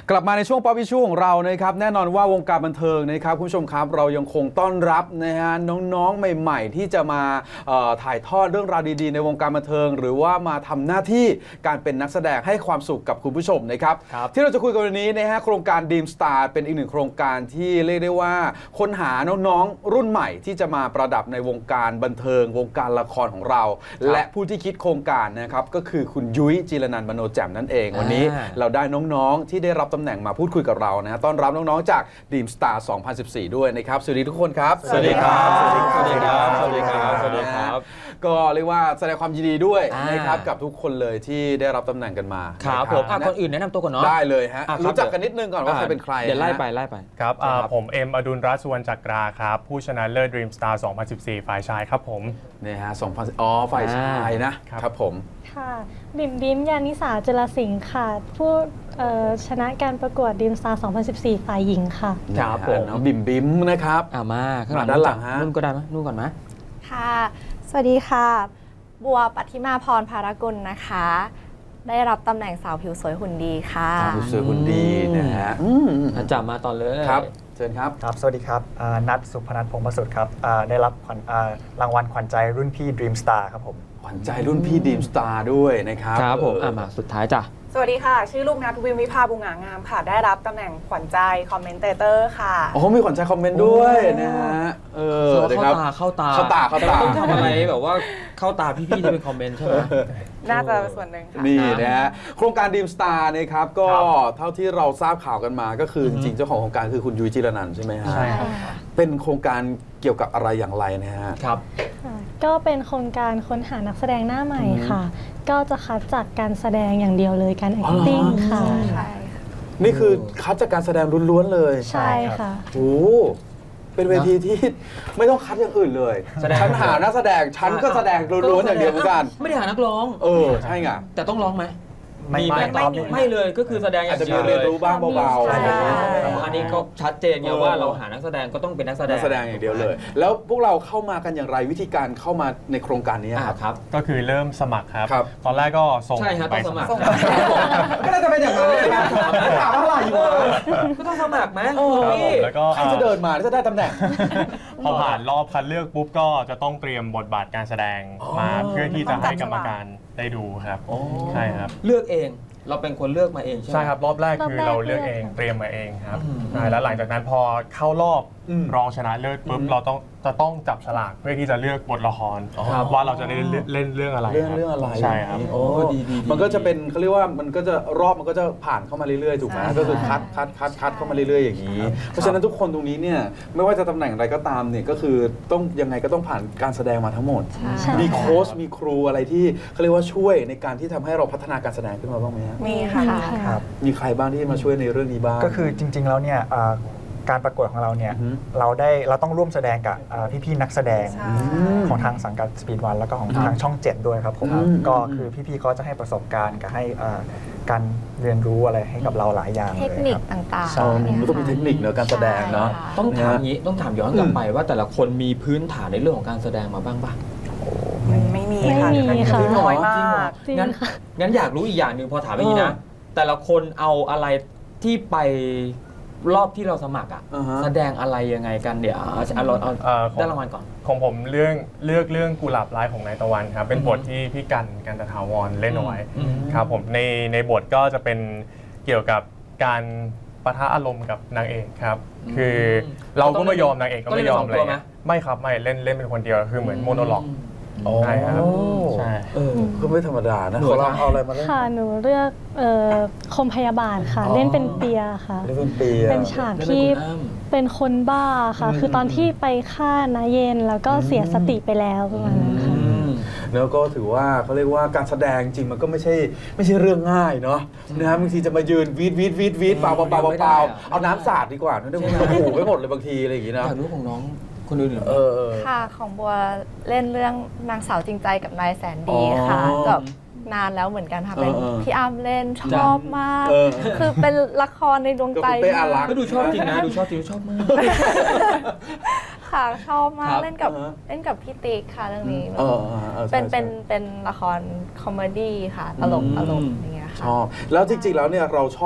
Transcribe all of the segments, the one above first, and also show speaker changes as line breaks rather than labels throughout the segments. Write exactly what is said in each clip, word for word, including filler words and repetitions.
กลับมาในช่วงป๊อปอิชชูของเรานะครับแน่นอนว่าวงการบันเทิงนะครับคุณผู้ชมครับเรายังคงต้อนรับนะฮะน้องๆใหม่ๆที่จะมาถ่ายทอดเรื่องราวดีๆในวงการบันเทิงหรือว่ามาทำหน้าที่การเป็นนักแสดงให้ความสุขกับคุณผู้ชมนะครับที่เราจะคุยกันวันนี้นะฮะโครงการ Dream Star เป็นอีกหนึ่งโครงการที่เรียกได้ว่าค้นหาน้องๆรุ่นใหม่ที่จะมาประดับในวงการบันเทิงวงการละครของเราและผู้ที่คิดโครงการนะครับก็คือคุณยุ้ยจีรนันท์มโนแจ่มนั่นเองวันนี้เราได้น้องๆที่ได้รับตำแหน่งมาพูดคุยกับเรานะต้อนรับน้องๆจาก Dream Star สองพันสิบสี่ ด้วยนะครับสวัสดีทุกคนครับ
สวัสดีครับสวัสดีครับสวัสดีครับสวัสดีครับ
ก็เรียกว่าแสดงความยินดีด้วยนะครับกับทุกคนเลยที่ได้รับตำแหน่งกันมา
ครับผมคนอื่นแนะนำตัวก่อนเนาะ
ได้เลยฮะรู้จักกันนิดนึงก่อนว่าใครเป็นใคร
เดี๋ยวไล่ไปไล่ไป
ครับผมเอ็มอดุลรัตน์สุวรรณจักราครับผู้ชนะเลิศ Dream Star สองพันสิบสี่ ฝ่ายชายครับผม
เนี่ยฮะสองพันอ๋อฝ่ายชายนะครับผม
ค่ะบิมบิมยานิสาจุลสิงห์ค่ะผู้ชนะการประกวด Dream Star สองพันสิบสี่ ฝ่ายหญิงค่ะ
ครับผมบิมบิมนะครับ
อ่ามาข้างหลัง
ด้านหลังฮะ
นู่นก็ได้ไหมนู่นก่อนไหม
ค่ะสวัสดีค่ะบัวปัทธิมาพรภารกุลนะคะได้รับตำแหน่งสาวผิวสวยหุ่นดีค่ะ
สาวผิวสวยหุ่นดีนะฮะ
จับมาตอนเลย
ครับเชิญครับ
ครับสวัสดีครับนัทสุพนัทพงศ์ประสุทธิ์ครับได้รับรางวัลขวัญใจรุ่นพี่ Dream Star ครับผม
ขวัญใจรุ่นพี่ Dream Star ด้วยนะครับ
ครับผมอ่ะมาสุดท้ายจ้ะ
สวัสดีค่ะชื่อลูกนัทวิมวิภาบุงหางามค่ะได้รับตำแหน่งขวัญใจคอมเมนเตเตอร์ค่ะ
โอ้มีขวัญใจคอมเมนต์ด้วยนะฮะ
เออเข้าตาเข้าตา
เข้าตาเข้าตา
ต้องทำอะไรแบบว่าเข้าตาพี่ๆที่เป็นคอมเมนต์ใช่ไหม
น่าจะส่วนหนึ่งค่ะ
นี่นะฮะโครงการ Dream Star นะครับก็เท่าที่เราทราบข่าวกันมาก็คือจริงๆเจ้าของโครงการคือคุณยุ้ยจีรนันท์ใช่ไหมฮะ
ใช่ค่ะ
เป็นโครงการเกี่ยวกับอะไรอย่างไรนะฮะ
ครับ
ก็เป็นโครงการค้นหานักแสดงหน้าใหม่ค่ะก็จะคัดจากการแสดงอย่างเดียวเลยการ acting ค่ะ
นี่คือคัดจากการแสดงล้วนๆเลย
ใช่ค่ะ
โอ้เป็นเวทีที่ไม่ต้องคัดอย่างอื่นเลยฉันหานักแสดงฉันก็แสดงล้วนๆอย่างเดียวเหมือนกัน
ไม่ได้หานักร้อง
เออใช่ไง
แต่ต้องร้องไหม
ไม่ไม่
ไม่เลยก็คือแสดงอย่างเดียวเลย
เรียนรู้บ้างเบาๆ
อันนี้ก็ชัดเจนไงว่าเราหานักแสดงก็ต้องเป็นนักแสดง
นักแสดงอย่างเดียวเลยแล้วพวกเราเข้ามากันอย่างไรวิธีการเข้ามาในโครงการนี้
ครับ
ก็คือเริ่มสมัครครับตอนแรกก็ส่ง
ใช่ครับต้องสมัคร
ก็น่าจะเป็นอย่างนั้นเลยนะถามอะไรอยู่
ก็ต้องสมัครไหม
แล้วก็
ใครจะเดินมาจะได้ตำแหน่ง
พอผ่านรอบคัดเลือกปุ๊บก็จะต้องเตรียมบทบาทการแสดงมาเพื่อที่จะให้กรรมการได้ดูครับใช่ครับ
เลือกเองเราเป็นคนเลือกมาเองใช่ไหม
ใช่ครับรอบแรกคือเราเลือกเองเตรียมมาเองครับใช่แล้วหลังจากนั้นพอเข้ารอบรองชนะเลิศปุ๊บเราต้องจะต้องจับฉลากเพื่อที่จะเลือกบทละครว่าเราจะได้เล่นเรื่องอะไร
เรื่องเรื่องอะไร
ใช่ครับ
โอ้ดีดีมันก็จะเป็นเขาเรียกว่ามันก็จะรอบมันก็จะผ่านเข้ามาเรื่อยๆถูกไหมก็คือคัดคัดคัดคัดเข้ามาเรื่อยๆอย่างนี้เพราะฉะนั้นทุกคนตรงนี้เนี่ยไม่ว่าจะตำแหน่งอะไรก็ตามเนี่ยก็คือต้องยังไงก็ต้องผ่านการแสดงมาทั้งหมดมีโค้ชมีครูอะไรที่เขาเรียกว่าช่วยในการที่ทำให้เราพัฒนาการแสดงขึ้นมาบ้างไหมครับ
มีค่ะ
มีใครบ้างที่มาช่วยในเรื่องนี้บ้าง
ก็คือจริงๆแล้วเนี่ยการประกวดของเราเนี่ยเราได้เราต้องร่วมแสดงกับพี่ๆนักแสดงของทางสังกัด Speed One แล้วก็ของทางช่องเจ็ดด้วยครับผมก็คือพี่ๆเขาจะให้ประสบการณ์กับให้การเรียนรู้อะไรให้กับเราหลายอย่าง
เทคนิคต่าง
ๆมันต้องมีเทคนิคเนอะการแสดงเนาะ
ต้องถามนี้ต้องถามย้อนกลับไปว่าแต่ละคนมีพื้นฐานในเรื่องของการแสดงมาบ้างป่ะ
ไม่มีค่ะน้อยมาก
งั้นงั้นอยากรู้อีกอย่างหนึ่งพอถามอย่างนี้นะแต่ละคนเอาอะไรที่ไปรอบที่เราสมัครอ่ะแสดงอะไรยังไงกันเดี๋ยวเอาเราเอาได้รางวัลก่อน
ของผมเรื่องเลือกเรื่องกุหลาบลายของนายตะวันครับเป็นบทที่พี่กันกันตถาวรเล่นเอาไว้ครับผมในในบทก็จะเป็นเกี่ยวกับการปะทะอารมณ์กับนางเอกครับคือเราก็ไม่ยอมนางเอกก็ไม่ยอมเลยไม่ครับไม่เล่นเล่นเป็นคนเดียวคือเหมือนโมโนล็อกใช่ครับใช่
ก็ไม่ธรรมดานะขอลองเอาอะไรมาเล่น
ค่ะหนูเลือกคมพยาบาลค่ะเล่นเป็นเปียค่ะ
เล่นเป็นเปีย
เป็นฉากที่เป็นคนบ้าค่ะคือตอนที่ไปฆ่านาเย็นแล้วก็เสียสติไปแล้วประมาณนั้นค่ะ
แล้วก็ถือว่าเขาเรียกว่าการแสดงจริงมันก็ไม่ใช่ไม่ใช่เรื่องง่ายเนาะนะบางทีจะมายืนวีดวีดวีดวีดเปล่าเปล่าเปล่าเปล่าเอาน้ำสาดดีกว่าไม่ได้โอ้โหไม่หมดเลยบางทีอะไรอย่างงี้นะ
อยากรู้ของน้องคนอื่น
เออ
ค่ะของบัวเล่นเรื่องนางสาวจริงใจกับนายแสนดีค่ะกับนานแล้วเหมือนกันค่ะเป็นพี่อ้ำเล่นชอบมากคือเป็นละครในดวงใจ
ก็ดูชอบจริงนะดูชอบจริงชอบมาก
ค่ะชอบมากเล่นกับเล่นกับพี่ติ๊กค่ะเรื่องนี้เป็นเป็นเป็นละครคอมเมดี้ค่ะตลกตลกอย่างเงี้ยค่ะ
ชอบแล้วจริงๆแล้วเนี่ยเราชอบ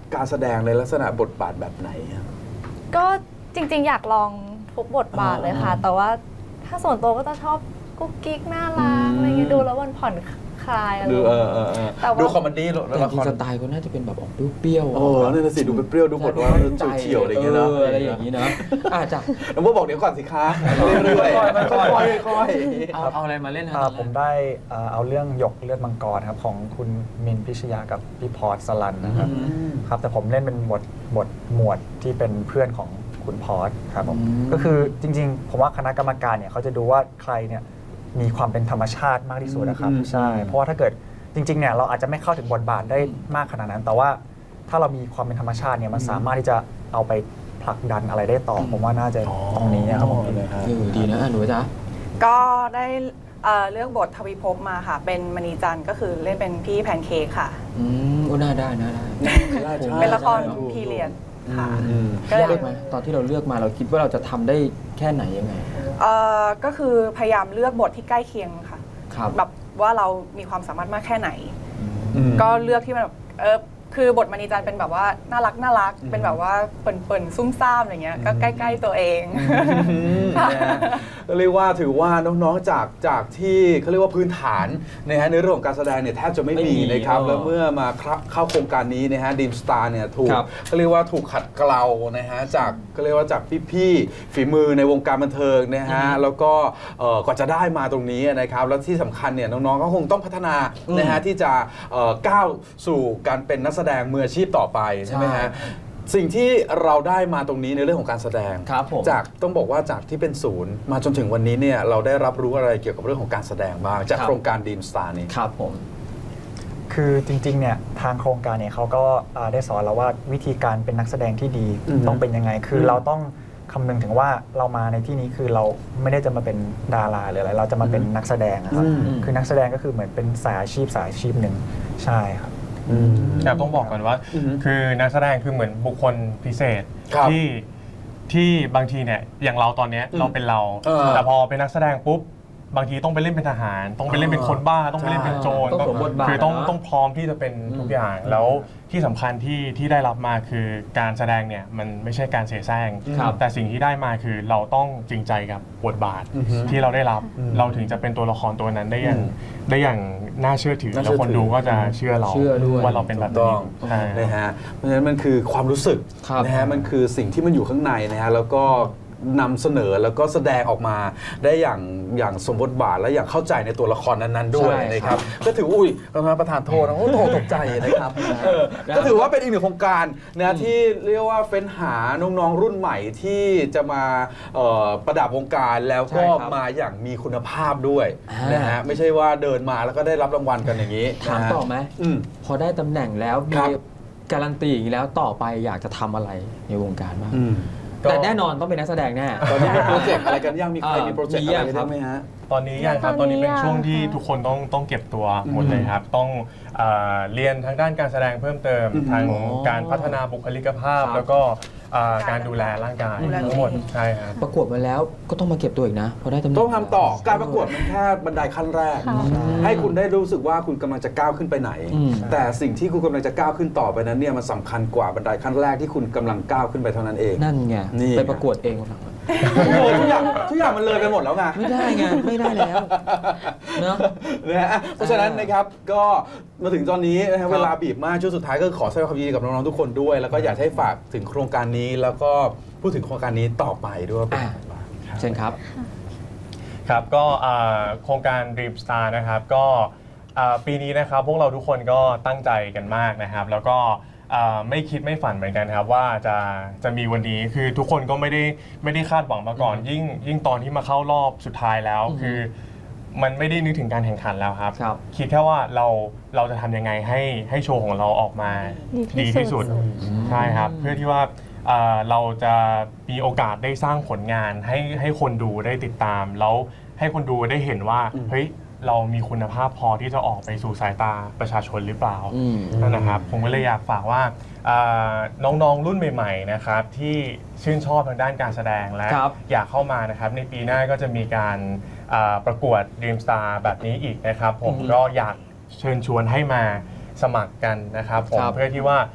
การแสดงในลักษณะบทบาทแบบไหนอะ
ก็จริงๆ อยากลองทุกบทบาทเลยค่ะ แต่ว่าถ้าส่วนตัวก็จะชอบกุ๊กกิ๊กน่ารักอะไรเงี้ยดูแล้วมันผ่อนคลายอะไร
ดูเออเออเออ
แต่ว่า
ดูคอมเมดี้หรอ
แต่
ละ
จ
ค
ริง
ร
ๆสไตล์ก็น่าจะเป็นแบบออกเปรี้ยวๆ
โอ้นั่นนะสิดูเป็นเปรี้ยวดูบทว่าเฉียวๆอะไรอย่างเงี้ยนะ
เอออะไรอย่างงี้นะอาจจะ
น้องโบบอกเดี๋ยวก่อนสิคะเรื่อยๆค่อยๆค่อยๆ
เอาเอาอะไรมาเล่นฮะ
อ่า
ตอนแรก
ผมได้อ่าเอาเรื่องหยกเลือดมังกรครับของคุณมินพิชยากับพี่พอร์ตสลันนะครับ
อืม
ครับแต่ผมเล่นเป็นบทบทหมวดที่เป็นเพื่อนของคุณพอร์ตครับผม
อืม
ก็คือจริงๆ ผมว่าคณะกรรมการเนี่ยเขาจะดูว่าใครเนี่ยมีความเป็นธรรมชาติมากที่สุดนะครับ
อืม
ใช่เพราะว่าถ้าเกิดจริงๆเนี่ยเราอาจจะไม่เข้าถึงบทบาทได้มากขนาดนั้น แต่ว่าถ้าเรามีความเป็นธรรมชาติเนี่ยมันสามารถที่จะเอาไปผลักดันอะไรได้ต่ออผมว่าน่าจะตรงนี้นะครับผม
นะฮะ
เออดีนะอ่ะหนูจ๊ะ
ก็ได้เอ่อเลือกบททวีภพมาค่ะ เป็นมณีจันทร์ก็คือเล่นเป็นพี่แพนเค้กค่ะ
อืมก็น่าได้น่าได้
เป็นละคร
ได้
พีเรียดค่ะ
อืม
ก็เลย
ยากไหมตอนที่เราเลือกมาเราคิดว่าเราจะทำได้แค่ไหนยังไง
เอ่อก็คือพยายามเลือกบทที่ใกล้เคียงค่ะ
ครับ
แบบว่าเรามีความสามารถมากแค่ไหน
อืม
ก็เลือกที่มันแบบเออคือบทมณีจันทร์เป็นแบบว่าน่ารักน่ารัก เป็นแบบว่าเปิ่นๆซุ่มซ่ามอะไรเงี้ยก็ใกล้ๆตัวเอง
นะฮะก็เรียกว่าถือว่าน้องๆจากจากที่เขาเรียกว่าพื้นฐานนะฮะในเรื่องของการแสดงเนี่ยแทบจะไม่
ไม่
มี
มี
นะครับ
เออ
แล้วเมื่อมาเข้าโครงการนี้นะฮะดีมสตาร์เนี่ยถูก
ครับ
เขาเรียกว่าถูกขัดเกลานะฮะจากก็เรียกว่าจากพี่ๆฝีมือในวงการบันเทิงนะฮะแล้วก็เอ่อกว่าจะได้มาตรงนี้นะครับแล้วที่สำคัญเนี่ยน้องๆก็คงต้องพัฒนานะฮะที่จะเอ่อก้าวสู่การเป็นนักแสดงมืออาชีพต่อไปใช่ไหมฮะ สิ่งที่เราได้มาตรงนี้ในเรื่องของการแสดง
ครับผม
จากต้องบอกว่าจากที่เป็นศูนย์มาจนถึงวันนี้เนี่ยเราได้รับรู้อะไรเกี่ยวกับเรื่องของการแสดงบ้างจาก
ครับ
โครงการดีมสตาร์นี้
ครับผม
คือจริงๆเนี่ยทางโครงการเนี่ยเขาก็อ่าได้สอนเราว่าวิธีการเป็นนักแสดงที่ดี
อือฮึ
ต้องเป็นยังไง คือ
ม
เราต้องคำนึงถึงว่าเรามาในที่นี้คือเราไม่ได้จะมาเป็นดาราหรืออะไรเราจะมาเป็นนักแสดงนะครับ
อืม
คือนักแสดงก็คือเหมือนเป็นสายอาชีพสายอาชีพหนึ่งใช่ครับ
ครับต้องบอกก่อนว่า
อือฮึ
คือนักแสดงคือเหมือนบุคคลพิเศษ
ครับ
ที่ที่บางทีเนี่ยอย่างเราตอนเนี้ย
อืม
เราเป็นเรา
เออ
แต่พอเป็นนักแสดงปุ๊บบางทีต้องไปเล่นเป็นทหาร ต้องไปเล่นเป็นคนบ้า ต้องไปเล่นเป็นโจร
ต้องสวมบทบาท
คือต้อง
นะ
ต้องพร้อมที่จะเป็นทุกอย่าง
อืม
แล้วที่สำคัญที่ที่ได้รับมาคือการแสดงเนี่ยมันไม่ใช่การเสแสร้ง
ครับ
แต่สิ่งที่ได้มาคือเราต้องจริงใจกับบทบาท
อือฮึ
ที่เราได้รับ
อืม
เราถึงจะเป็นตัวละครตัวนั้นได้อย่าง
อืม
ได้อย่างน่าเชื่อถือ
น่าเชื่
แล้
อ
วคน
ถือ
ดูก็จะเชื่อเรา
เชื่อด้วย
ว่าเราเป็นแบบ
ถูกต้
นี้
อง
ใช่
นะฮะเพราะฉะนั้นมันคือความรู้สึก
ครับ
นะฮะมันคือสิ่งที่มันอยู่ข้างในนะฮะแล้วก็นำเสนอแล้วก็แสดงออกมาได้อย่างอย่างสมบทบาทและอย่างเข้าใจในตัวละครนั้นๆด้วย
ใช่
นะครับก็ถืออุ้ยประธานโทษนะโอ้โหตกใจนะครับเออก็ถือว่าเป็นอีกหนึ่งโครงการนะที่เรียกว่าเฟ้นหาน้องๆรุ่นใหม่ที่จะมาเอ่อประดับวงการแล้วก็
ใช่ครับ
มาอย่างมีคุณภาพด้วย
อ่าน
นะฮะไม่ใช่ว่าเดินมาแล้วก็ได้รับรางวัลกันอย่างนี้
ถาม
นะฮะ
ต่อไหม
อืม
พอได้ตำแหน่งแล้ว
ค
มี
รับ
การันตีอย่างนี้แล้วต่อไปอยากจะทำอะไรในวงการบ้าง
อืม
แต่แน่นอนต้องเป็นนักแสดงแน่
ตอนนี้มีโปรเจกต์อะไรกันยังมีใคร
เอ่อ
มีโปรเจกต์
มี
อะไร
ยังครับ
ได้ไหมฮะ
ตอนนี้ยังครับ
ต
ต
อ
อน น
นี้
นี้เป็นช่วง
ยัง
ที่
ค่ะ
ทุกคนต้องต้องเก็บตัวหมด
อืม
เลยครับ ต้องเอ่อเรียนทางด้านการแสดงเพิ่มเติม
อืม
ทาง
อ๋อ
การพัฒนาบุคลิกภาพ
ครับ
แล้วก็เอ่อการดูแลร่างกาย
ดูแลตัวเอง
ทั้งหมดใช่ครับ
ประกวดมาแล้วก็ต้องมาเก็บตัวอีกนะพอได้ตำแหน่ง
ต้องทำต่อการประกวดมันแค่บันไดขั้นแรก
ค่ะ
ให้คุณได้รู้สึกว่าคุณกำลังจะก้าวขึ้นไปไหน
อืม
แต่สิ่งที่คุณกำลังจะก้าวขึ้นต่อไปนั้นเนี่ยมันสำคัญกว่าบันไดขั้นแรกที่คุณกำลังก้าวขึ้นไปเท่านั้นเอง
นั่นไง
นี่
ไปประกวดเองวันหลัง
โอ้โหทุกอย่างทุกอย่างมันเลยไปหมดแล้วไง
ไม่ได้ไงไม่ได้แล้วเนาะ
นะฮะเพราะฉะนั้นนะครับก็มาถึงตอนนี้นะ
ครั
ฮะ
บ
เวลาบีบมากช่วงสุดท้ายก็ขอแสดงความยินดีกับน้องๆทุกคนด้วย แล้วก็อยากให้ฝากถึงโครงการนี้ แล้วก็พูดถึงโครงการนี้ต่อไปด้วยว่าเป็นยังไงบ้าง
เช่นครับ
ครับก็เอ่อโครงการ Dream Star นะครับก็เอ่อปีนี้นะครับพวกเราทุกคนก็ตั้งใจกันมากนะครับ แล้วก็เอ่อไม่คิดไม่ฝันเหมือนกันครับว่าจะจะมีวันนี้คือทุกคนก็ไม่ได้ไม่ได้คาดหวังมาก่อน
อืม
ยิ่งยิ่งตอนที่มาเข้ารอบสุดท้ายแล้ว
อืม
คือมันไม่ได้นึกถึงการแข่งขันแล้วครับ
ครับ
คิดแค่ว่าเราเราจะทำยังไงให้ให้โชว์ของเราออกมา
ดี
ดี
ที่
ที่
สุ
สุ
ด
ดใช่ครับเพื่อที่ว่าเอ่อเราจะมีโอกาสได้สร้างผลงานให้ให้คนดูได้ติดตาม แล้วให้คนดูได้เห็นว่า
อืม
เฮ้ยเรามีคุณภาพพอที่จะออกไปสู่สายตาประชาชนหรือเปล่า
อืม
นั่นนะครับผมก็เลยอยากฝากว่าเอ่อน้องๆรุ่นใหม่ๆนะครับที่ชื่นชอบทางด้านการแสดงและ
ครับ
อยากเข้ามานะครับในปีหน้าก็จะมีการเอ่อประกวด Dream Star แบบนี้อีกนะครับผม
อืม
ก็อยากเชิญชวนให้มาสมัครกันนะครับผม
ครับ
เพื่อที่ว่า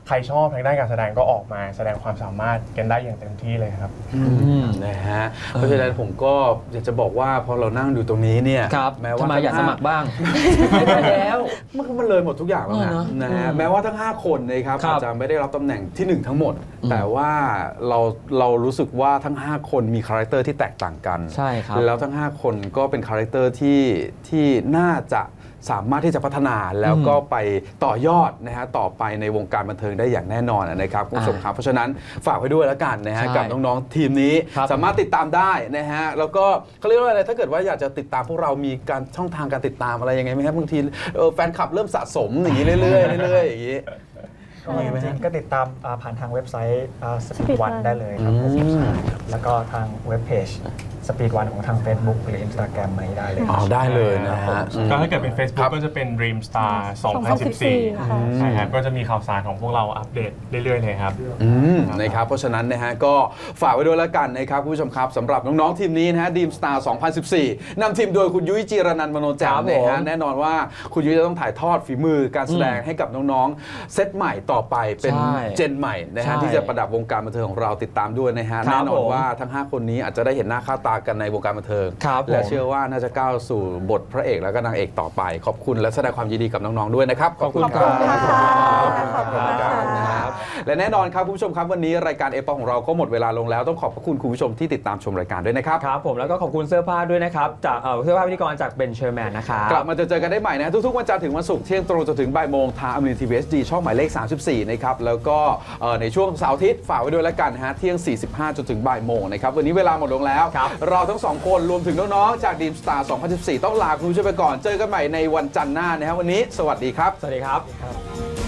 ใครชอบทางด้านการแสดงก็ออกมาแสดงความสามารถกันได้อย่างเต็มที่เลยครับ
นะฮะเพราะฉะนั้นผมก็อยากจะบอกว่าพอเรานั่งอยู่ตรงนี้เนี่ย
ครับ
แม้ว่า
ทำไมอยากสมัครบ้าง
ไม่ได้แล้วมันก็มันเลยหมดทุกอย่างแล้ว
เออ
นะ
เนอะ
นะฮะ
อืม
แม้ว่าทั้งห้าคนนะครับ
ครับ
อาจจะไม่ได้รับตำแหน่งที่หนึ่งทั้งหมด
อืม
แต่ว่าเราเรารู้สึกว่าทั้งห้าคนมีคาแรคเตอร์ที่แตกต่างกัน
ใช่ครับ
แล้วทั้งห้าคนก็เป็นคาแรคเตอร์ที่ที่น่าจะสามารถที่จะพัฒนาแล้วก็ไปต่อยอดนะฮะต่อไปในวงการบันเทิงได้อย่างแน่นอนนะครับคุณผู้ชมครับเพราะฉะนั้นฝากไว้ด้วยแล้วกันนะฮะ
ใช่
กับน้องๆทีมนี้
ครับ
สามารถติดตามได้นะฮะแล้วก็เขาเรียกว่าอะไรถ้าเกิดว่าอยากจะติดตามพวกเรามีการช่องทางการติดตามอะไรยังไงไหมครับบางทีเออแฟนคลับเริ่มสะสมอย่างนี้เรื่อยๆเรื่อยๆอย่างนี้
ก็จริงๆก็ติดตามอ่าผ่านทางเว็บไซต์สปีดวัน
Speed One
ได้เลยครับผม
อืม
แล้วก็ทางเว็บเพจสปีดวันของทาง Facebook หรือ Instagram อะไรได้เลย
อ๋อได้เลยนะฮะ
ก็ถ้าเกิดเป็น
ค
Facebook
รับ
ก็จะเป็น Dream Star
สองพันสิบสี่
สองพันสิบสี่
ค่ะ
ใช่ครับก็จะมีข่าวสารของพวกเราอัปเดตเรื่อยๆเลยครับ
อืมนะครับเพราะฉะนั้นนะฮะก็ฝากไว้ด้วยแล้วกันนะครับคุณผู้ชมครับสำหรับน้องๆทีมนี้นะฮะดีมสตาร์สองพันสิบสี่นำทีมโดยคุณยุ้ยจีรนันท์มโนแจ่
ค
ม
รับ
นะ
ผม
ฮะแน่นอนว่าคุณยุ้ยจะต้องถ่ายทอดฝีมือการแสดงให้กับน้องๆเซตใหม่ต่อไปเป็น
ใช่
เจนใหม่นะ
ใช่
ฮะที่จะประดับวงการบันเทิงของเราติดตามด้วยนะฮะ
ครับ
แน่นอน
ผม
ว่าทั้งห้าคนนี้อาจจะได้เห็นหน้าค่าตากันในวงการบันเทิง
ครับ
และ
ผม
เชื่อว่าน่าจะก้าวสู่บทพระเอกและก็นางเอกต่อไป ขอบคุณและแสดงความยินดีกับน้องๆด้วยนะครับ
ขอบคุณ
ครับ
ค่ะ
ขอบคุณครับนะครับและแน่นอนครับคุณผู้ชมครับวันนี้รายการเอปของเราก็หมดเวลาลงแล้วต้องขอบพระคุณคุณผู้ชมที่ติดตามชมรายการด้วยนะครับ
ครับผมแล้วก็ขอบคุณเสื้อผ้าด้วยนะครับ จากเอ่อเสื้อผ้าพิธีกรจากเบนเชอร์แมนนะครับ
กลับมาเจอเจอกันได้ใหม่นะทุกๆวันจันทร์ถึงวันศุกร์เที่ยงตรงจนถึงบ่ายโมงทางอมรินทีวีเอสดีช่องหมายเลขสามสิบสี่นะครับแล้วก็เอ่อในช่วงเสาร์อาทิตย์ฝากไว้ด้วยแล้วกันฮะเที่ยงสี่สิบห้าจนถึงบ่ายโมงนะครับวันนี้เวลาหมดลงแล้ว
ครับ
เราทั้งสองคนรวมถึงน้องๆจากดีมสตาร์สองพันสิบสี่ต้องลาคุณผู้ชมไปก่อนเจอกันใหม่ในวันจันทร์หน้านะฮะวันนี้สวัสดีครับ
สวัสดีครับ